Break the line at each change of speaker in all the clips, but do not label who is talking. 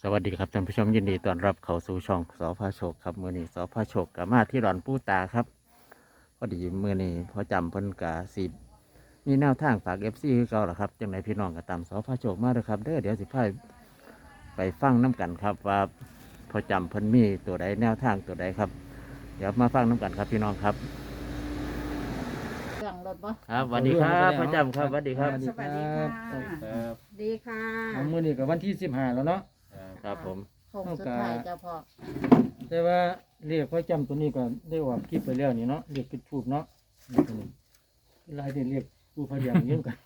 สวัสดีครับท่านผู้ชมยินดีต้อนรับเข้าสู่ช่องสพโชคครับมือนี้สพโชคกับมาที่ดอนปูตาครับพอดีมือนี้พอจำเพิ่นกาสิมีแนวทางฝากFCคือเก่าล่ะครับจังไหนพี่น้องก็ตามสพโชคมาเด้อครับเด้อเดี๋ยวสิพาไปฟังน้กันครับว่าพอจำเพิ่นมีตัวใดแนวทางตัวใดครับเดี๋ยวมาฟังน้กันครับพี่น้องครับ
เครื่องรถบ่
ครับสวัสดีครับพอจำครับสวัสดีครับ
สวัสดีค่ะ
ครับ
ดีค่ะ
เอามื้อนี้กับวันที่15แล้วเนาะ
ครับผม
โค้งสุดท้ายเจ้าพ่อ
แต่ว่าเรียกพ่อจำตัวนี้ก็ได้ออกคลิปไปแล้วนี่เนาะเรียกจุดทูบเนาะนี่ตัวนี้หลายที่เรียกผู้พยายามเยอะกัน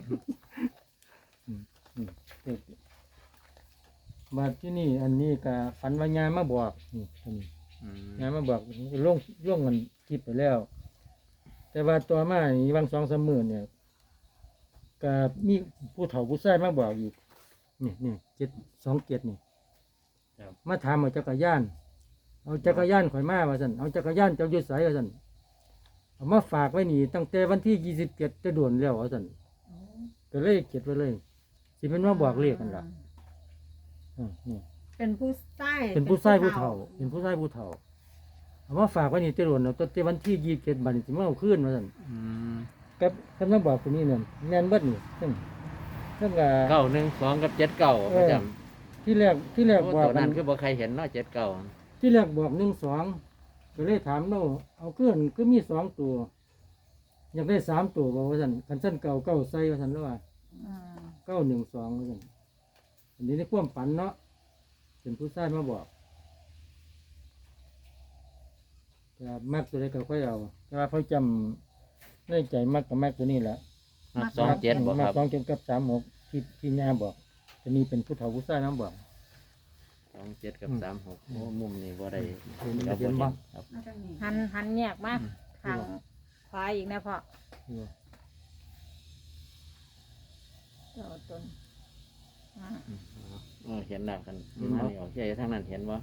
เรียกมาที่นี่อันนี้ก็ฝันว่ายายมาบอกนี่อันนี้
อืม
ยายมาบอกล่วงมันคลิปไปแล้ว แต่ว่าตัวมานี่บาง2-3มื้อเนี่ยก็มีผู้เฒ่าผู้ชายมาบอกอีกนี่727นี่ มาถามเอาจักรยาน เอาจักรยานข่อยมาว่าสันเอาจักรยานเจ้าอยู่ไสว่าสันเอามาฝากไว้นี่ตั้งแต่วันที่27จะด่วนแล้วว่าสันก็เลยเก็บไว้เลย สิเป็นมาบอกเลขกันล่ะนี่
เป็นผู้ใต้
เป็นผู้ชายผู้เฒ่า เป็นผู้ชายผู้เฒ่า เอามาฝากไว้นี่จะด่วนเอาตั้งแต่วันที่27บัดนี้สิมาเอาคืนว่าสัน
อืม
กับคำมาบอกตัวนี้เนี่ยแม่นเบิดนี่ซึ่งก็
912กับ79พอจำ
ที่แรกบ
ตั
อก
ว
กั
นั้น นคือบ่ใครเห็นเนาะ79
ที่แรกบอก1-2ก็เลยถามเราเอาเครื่องก็มี2ตัว อยากได้3ตัวบอกว่าสันคันสั้นเก่าใส่ว่าสันแล้วว่า
อืม
912ว่าสันอันนี้ในความฝันเนาะเป็นผู้ชายมาบอกแต่มักตัวใดก็ค่อยเอาแต่ว่าเขาจำในใจมักกับมักตัวนี้แหละ
27บ่ครับ
มัก27กับ36ที่ย่าบอกตัวนี้เป็นผู้เฒ่าผู้ชายน้ำบอก
27กับ36โอ้มุมนี้บ่ได้
เห็น
ครับ
เห็นบ่
ครับ
หันแยกมาทางขวาอีกนะพ่อเจ้าตนอ่า
เห็นแล้วกันมานี่ออกใจทางนั้นเห็นบ่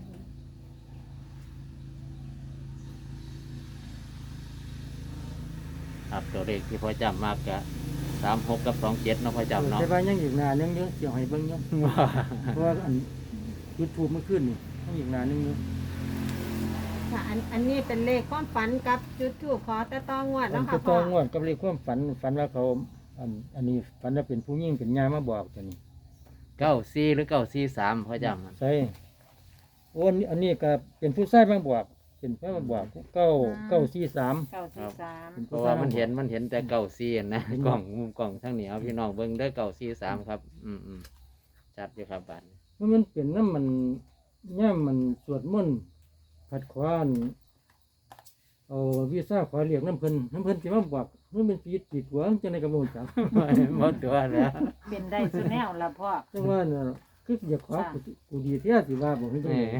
ครับตัวเลขที่พอจำมากกะ36กับ27เนาะพอจำเนาะ
แต่ว่ายังอีกนานยังเยอะเกี่ยวให้เบิ่งเยอะเพราะว่าอันยูทูบเมื่อคืนนี่ยังอีกนานนึงเยอะ
ค่ะอันนี้เป็นเลขความฝันกับจุดทูปขอแต่ต้องงวด
อั
เนาะ
น
ค่ะ
ก็
พ่
ต้
อ
องงวดกับเรื่องความฝันว่าเขาอันนี้ฝันว่าเป็นผู้หญิงเป็นยามาบอกตัวนี้
94หรือ943พอจำมัน
ใช่โอ้อันนี้ก็เป็นผู้ชายมาบอกเป็นผู้มาบอก943
943
เพราะว่ามันเห็นแต่94นะกล่องมุมกล่องทางเหนียวพี่น้องเบิ่งเด้อ943ครับชัดอยู่ครับบัดนี้
มันเป็นน้ำมันย่ามมันสวดมนต์ขัดขวานเอาวีซ่าขอเรียกน้ำเพิ่นสิมาบอกมันเป็นปีติดหัวจังได๋ก็บ่รู้จัก
หมดตัวแล้ว
เป็นได้สุดแนวละพ่อ
จังว่าน่ะคืออยากขอกูดีแท้สิว่าบ่เห็นจังได๋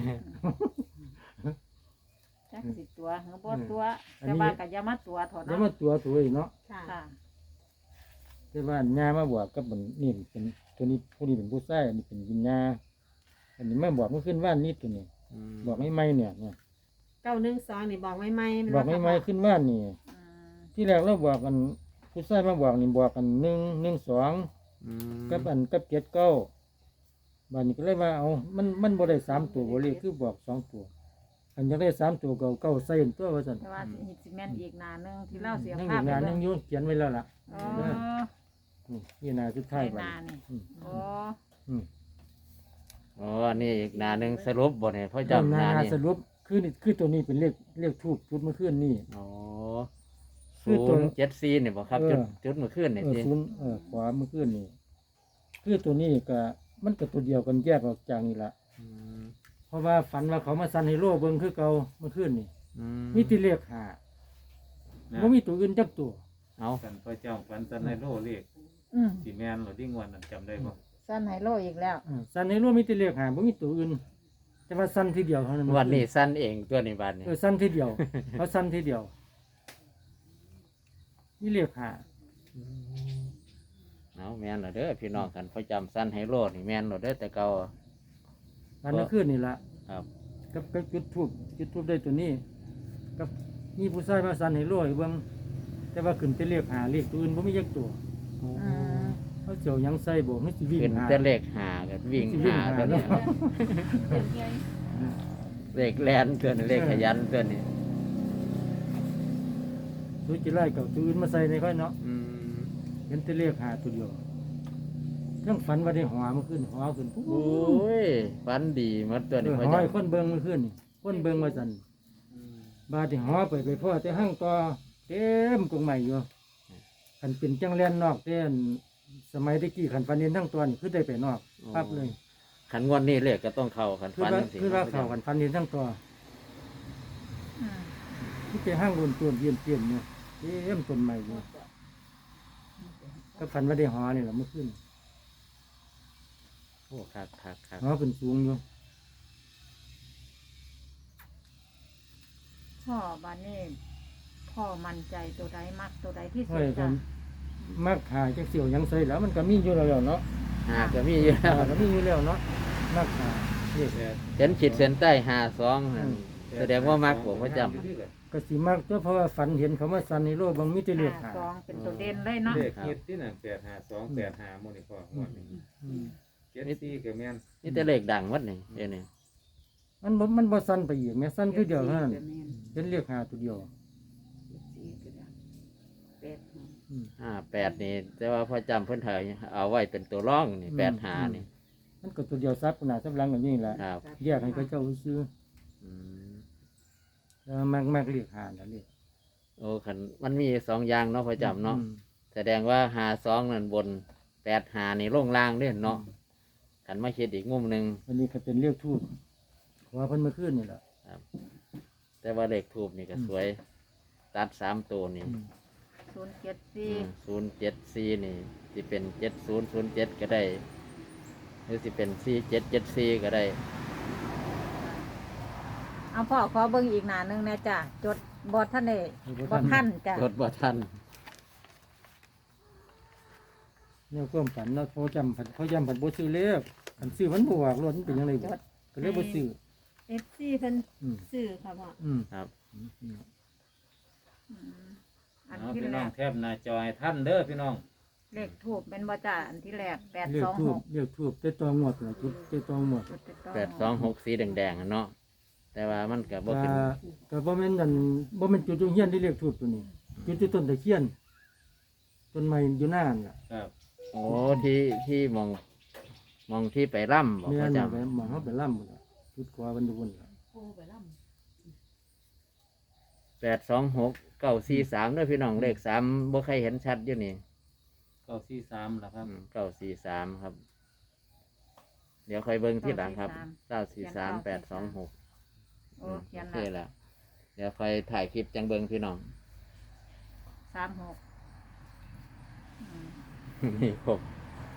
จักสิตัวหรือบ่ตัวแต่ว่าก็อย่ามาตัวเถอะ
แล้ว
เนาะ
มาตัวอีกเนาะ
ค่ะ
แต่ว่าญามาบอกกับมันนี่เป็นตัวนี้ผู้นี้เป็นผู้ชายอันนี้เป็นวิญญาอันนี้มาบอกเมื่อขึ้นว่านนี่ตัวนี้บอกไม่เนี่ย
912นี่บอกไม่ไหม
บอกไม่ขึ้นว่านนี่
อืม
ที่แรกเราบอกกันผู้ชายมาบอกนี่บอกกัน112กับ79บัดนี้ก็เลยว่าเอามันบ่ได้3ตัวบ่เลยคือบอก2ตัวอันจะได้3ตัวเก่าใส่ตัวว่าซั่น
แต่ว่าสิแม่นอีกหนาหนึงที่เล่าเสีย
นั่ง
ภา
อี
พ
กงานนึงอยู่เขียนไว้แล้วล่ะ
อ๋อ
นี่นาสุดท้าย
ใน
บัด
นานี่
อืม
โอ้
อืม
อ๋อนี่อีกหนาหนึ่งสรุปบ่เนี่ยพ่อจำหนา
นา
นี่
สรุปคือตัวนี้เป็นเลขทูบจุดเมื่อคืนนี่
อ๋อ
คือตัว
074นี่บ่ครับจุดเมื่อคืนนี่สิ
ศูนย์ขวาเมื่อคืนนี่คือตัวนี้ก็มันก็ตัวเดียวกันแยกออกจากนี่ละ
อืม
เพราะว่าฝันว่าเขามาซันให้โลเบิ่งคือเก่าเมื่อคืนนี่
อื
มีแติเลขหาบ่มีตัวอื่นจักตัว
เอา
กันพระเจ้าฟันสันในโลเรียก
อืม
สีแมนหรือดิ้งวันนั้นจำได้บ่
สั้นไฮโลอีกแล้ว
ซันให้โลมีแติเลขหาบ่มีตัวอื่น แต่ว่าซันทีเดียวเท่านั้น
วันนี้สั้นเองตัวนี้บัดนี้
ซันทีเดียวเขาซันทีเดียวนี่เลขหา
เอาแม่นเหรอเด้อพี่น้องกันพ่อจำสั้นให้โลดนี่แม่นเหรอเด้อแต่เก่า
อันนั้นคืนนี่ละ
ครับ
กับจุดทูบได้ตัวนี้กับมีผู้ชายมาซันให้โลให้เบิ่งแต่ว่าขึ้นไปเลขหาเลขตัวอื่นบ่มีจักตัว
อืม
เเขาเจียวหยังใส่บ่ให้สิวิ่ง
ขึ้น
หา
แต่เลขหากันวิ่ง
วิ่ง
หา
หา
กัน
เนาะ
เลขแลนตัวนี้เลขขยันตัวนี้
ตัวจิไล่กับตัวอื่นมาใส่ในค่อยเนาะ
อืม
เห็นแต่เลขหาตัวเดียวเรื่องฝันว่าได้หอมันขึ้นหอขึ้นปุ๊บ
โอ้ยฝันดีหมดตัวนี้
ห
พ่อ
อ
จ
ให้คนเบิ่งมันขึ้นนี่คนเบิ่งว่าซั่นบาดที่หอไปพ่อแต่ห้างต่อเต็มกรงใหม่อยู่คันเป็นจังแลนนอกแต่อันสมัยตะกี้คันฝันเห็นทั้งตัวนี่คือได้ไปนอกปั๊บเลย
ขันงวดนี้เลขก็ต้องเข้าขัน
คือ
ฝัน
ว่า
จังซี่
คือว่าเขาคันฝันเห็นทั้งตัวที่ไปห้างบนตัวเยี่ยมเยี่ยมเนี่ยเต็มต้นใหม่อยู่ก็ฝันว่าได้หอนี่แหละเมื่อคืน
โอ้ครับ
หอขึ้นสูงอยู่
พ่อบานนี้พ่อมั่นใจตัวใดมักตัวใดที่สุ
ห้อ
ด
ยกั
จ้ะ
นมักหาจักเสี่ยวหยังใส่แล้วมันก็มีอยู่แล้วเนาะ
หาก็มีอยู่แล้ว
ก็มีอยู่แล้วเนาะมักหานี่
เห็นขีดเส้นใต้หาสองนั่นแสดงว่ามักผมประจ
ก็สิมักตัวเพราะว่าฝันเห็นเขามาสันในโลกบางมิตรเลือกหา
สองเป็นตัวเด่นเลยเนาะ
เลขฮิตที่นั่น852 85หมู่นี่พ่องวดนี้
อืม
74ก็แม่น
ำนี่แต่เลขดังวัดนี่เดี๋ยวนี้
มันบ่สันไปอีกแม่สันคือเดียวเท่านั้นเห็นเรียกหาตัวเดียวอืม
8นี่ แต่ว่าพ่อจำเพิ่นถ่ายเอาไว้เป็นตัวร่องนี่8หานี่
มันก็ตัวเดียวซับขนาดซับหลังกันนี่แหละ
ครับ
แยกให้เขาเจ้าซื้อ
อืม
แล้วมักเรียกหาแล้วเรียก
โอ้ขันมันมีสองอย่างเนาะพ่อจำเนาะ
อืม
แสดงว่าหาสองนั่นบน8หานี่ลงล่างเด้เนาะขันมาคิดอีกมุมหนึ่ง
อันนี้ก็เป็นเรียกทูบขอเพิ่นเมื่อคืนนี่แหละ
แต่ว่าเลขทูบนี่ก็สวย ตัด3ตัวนี่
อืม
074
074นี่สิเป็น7007ก็ได้หรือสิเป็น4774ก็ได้
เอาพ่อขอเบิ่งอีกหน้าหนึงนะจ้ะจดบอท่านได้บอท่านจ้ะ
รถบ่ทัน
เนี่ยความฝันเนาะเขาจำผัดบ่ซื้อเลขคันซื้อมันบ่ออกรถมันเป็นยังไงบ่ก็เลยบ่ซื้อ
FC เพิ่น
อืม
ซื้อค่ะพ่อ
อืม
ครับ
อัน
เอา
ที่
พี่
แร
น้อง
ก
แคบหน้าจอให้ท่านเด้อพี่น้อง
เลขทูบเป็นบ่จ้ะอันที่แรก
เรียกทูบ
826
เรียกทูบแต่ตองหมดน่ะจุดแต่ตองหมด
826สีแดงๆอะเนาะแต่ว่ามันก็บ่ขึ้น
ก็บ่แม่นนั่นบ่แม่นจุดอยู่เฮียนที่เรียกทูบตัวนี้จุดที่ต้นตะเคียนต้นไม้อยู่หน้านั่นล่ะ
ครับ
โอ้ที่มองที่ไปร่ำบอก
แม่
พ่อน จ
ไปหมองเฮาไปล่ำพุ่นล่ะจุดกว่าเพิ่นอยู่พุ่นล่ะ
ำ826 943ด้วยพี่น้องเลข3บ่ใครเห็นชัดอยู่นี่
943ล่ะครับ
943ครับ เดี๋ยวค่อยเบิ่งที่หลังครับ943 826
โอ้เขียน
โอเค
ละ
แล้วเดี๋ยวค่อยถ่ายคลิปจังเบิ่งพี่น้อง
36
นี่ครบ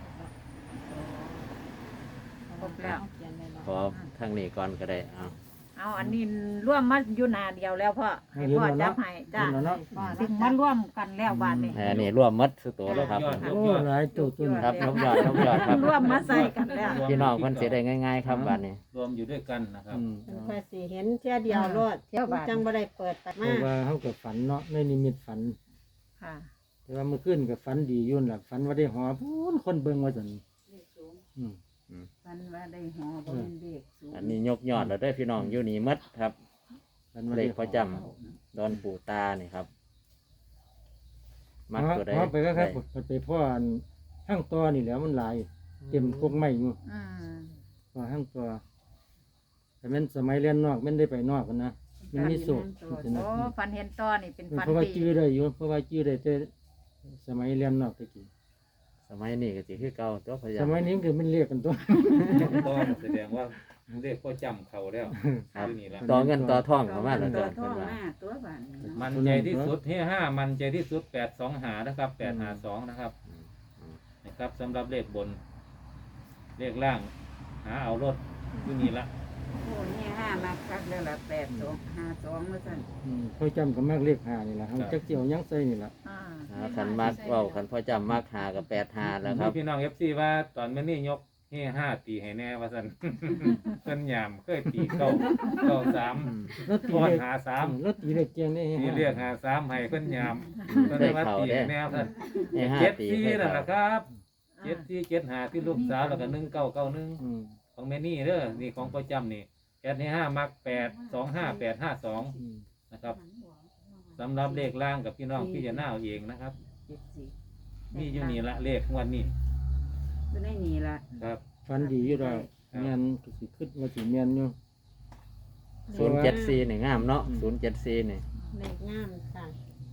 ครบแล้ว
ขอทางนี้ก่อนก็ได้เอา
เอาอันนี้ร่วมมาอยู่หนาเดียวแล้วพ่อให้พ่อจับให้จ้ะ
เห็นแล้วเนาะ
ซึ่งมาร่วมกันแล้วบาดนี้
อันนี้ร่วมหมัดสุดตัวแล้วครับ
โอ้หลายตัวต้น
ครับยกยอดครับ
ร่วมมาใส่กันแล้ว
พี่น้องเพิ่นสิได้ง่ายๆครับบัดนี้
รวมอยู่ด้วยกันนะครับ
อืม
เพื่อสิเห็นเที่ยเดียวโลด
เที่ยวบาท
จังบ่ได้เปิดตัด
เพ
มา
ราะว่าเฮาก็ฝันเนาะในนิมิตฝัน
ค่ะ
แต่ว่าเมื่อคืนก็ฝันดีอยู่นั่นล่ะฝันว่าได้หอพูนคนเบิ่งว่าซั่นอืม
มันว่าได้หอบ่เป็นเด็กสูง
อันนี้ยกยอดแล้วได้อพี่น้องอยู่นี่หมัดครับ
ฝันว่า
เล
ได้
ขประจำดอนปู่ตานี่ครับ มักตัวใด
หอไปก็ครับ
ได้
ไปพ่ออันห้างตอนี่แหล้วมันหลายเต็มกกไม้อยู่
อืม
พอห้างตอแต่แม่นสมัยเรียนนอกแม่นได้ไปนอกกันนะมันมีโศก
โอ้ฟันเห็นตอนี่เป็นฟัน
เพราะว่า
ดี
จื้อได้อยู่เพราะว่าจื้อได้แต่สมัยเรียนนอกตะกี้
สมัยนี้ก็สิคือเก่าตัวพยา
ส
ยาม
มัยนี้คือมันเรียกกันตัว
ต้องแสดงว่าเลขพ่อจำเขาแล้ว
ครับ
อยู่นี่ละ
ต่อเงินต่อทองเข้ามาแล้ว
ตั
ตัว
ว
เพิ่นว่า
ตัวบานนี้เนาะ
มันใจที่สุดที่5มันใจที่สุด825นะครับ852นะครับนะครับสำหรับเลขบน เลขล่าง หาเอารถอยู่นี่ละ
โอ้นี่ห้ามาคักแล้วละ8252ว่าซั่น
เขาจำกับมากเรียกหานี่แหละเขาจักเจียวยังใส่นี่แหละ
อ่า
ขันมากเว้าขันพ่อจำมากหากับ85แล้วครับ
พี่น้อง FC ว่าตอนมื้อนี้ยกเฮ่5ตีให้แน่ว่าซั่น เพิ่นยามเคยตีเก้า3
แล้วตี
ก่อน
เลข
หา3
แล้วตีเลขเจียงได้
ตีเรียกหา3ให้เพิ่นยามเพิ่นเลยว่าตีให้แนวซั่น
ให้ห้า
เจ็ด
ตี
สี่
ให้
นั่น
เขา
ล่ะครับ
อ
7475ที่ลูกสาวแล้วก็1991
อืม
ของแม่นี่เด้อนี่ของประจำนี่แอดให้5มัก825852
อืม
นะครับสำหรับเลขล่างกับพี่น้องพี่จะน่าเอาเองนะครับ
74
นี่อยู่นี่ละเลขงวันนี้
อยู่ในนี่ละ
ครับ
ฟันดีอยู่ดอก
ครับ
แม่นก็สิขึ้นว่าสิแม่นอยู่
074นี่งามเนาะ074นี่
เลขงามค่ะ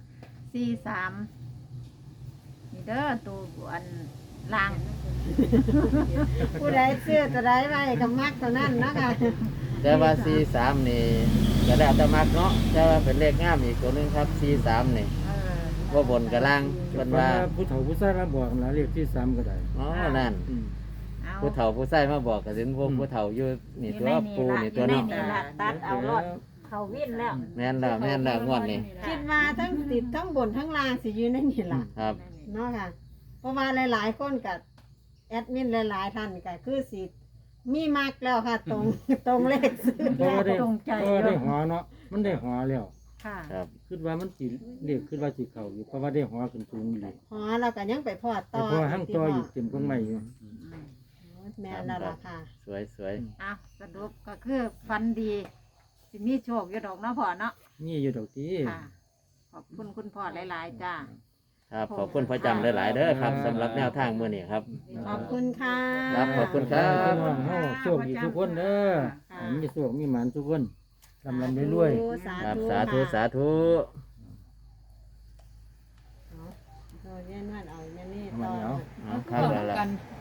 43นี่เด้อตัวอันล่าง
ผู้ใดเสื้อตัวใดไว้ก็มักเท่านั้นเนาะค่ะ
แต่ว่า43นี่ก็แล้วแต่มักเนาะแต่ว่าเป็นเลขงามอีกตัวหนึงครับ43นี่ ว่าบนกับล่าง
เพิ่
เพิ่นว่า
ผู้เฒ่าผู้ชายมาบอกนะเลขที่3ก็ได้
อ๋อนั่น
อืม
เอา
ผู้เฒ่าผู้ชายมาบอกก็สิพวกผู้เฒ่าอยู่นี่ตัวปูนี่ตัว
อยู่
เนาะ
ในนี่ล่ะตัดเอารถเขาวิ่นแล้ว
แม่นแล้วงวดนี้
คิดว่าทั้งติดทั้งบนทั้งล่างสิอยู่ในนี่ล่ะ
ครับ
เนาะค่ะ เพราะว่าหลายๆคนกับแอดมินหลายๆท่านก็คือสิมีมักแล้วค่ะ ตรง ตรงเลขซื้อ
เพราะ
แล้ว
ว่าได้
ตรงใจ
เพราะว่าได้หัวเนาะมันได้หัวแล้ว
ค่ะ
ครับ
คิดว่ามันสิเลขคิดว่าสิเข้าอยู่เพราะว่าได้หัวขึ้นสูงอยู่
หอเราก็ยังไปพอด
แต่
ต่อ
พอหั่งต่ออยู่เต็มก้นไม้อยู่
แม่นแล้วล่ะค่ะ
สวย
เอาสรุปก็คือฟันดี สิมีโชคอยู่ดอกเนาะพ่อเนาะ
นี่อยู่ดอกที่
ค่ะ ขอบคุณคุณพ่อหลาย ๆ จ้า
ครับขอบคุณพระจำหลายๆเด้อครับสำหรับแนวทางมื้อนี้ครับ
ขอบคุณค่ะ
ครับขอบคุณครั
พี่
บ
น้องเฮาโชคดีทุกคนเด้อ
ค่ะ
มีโชคมีหมานทุกคนลำลำรวย
สา
ครับ
ธุ
สาธุ
ค่ะ
สาธุ
เอาเย็นวันเอาเย็นนี่
เอามา
ต่อ
เดี๋ยว
เอาครับแล้วล่ะ
กัน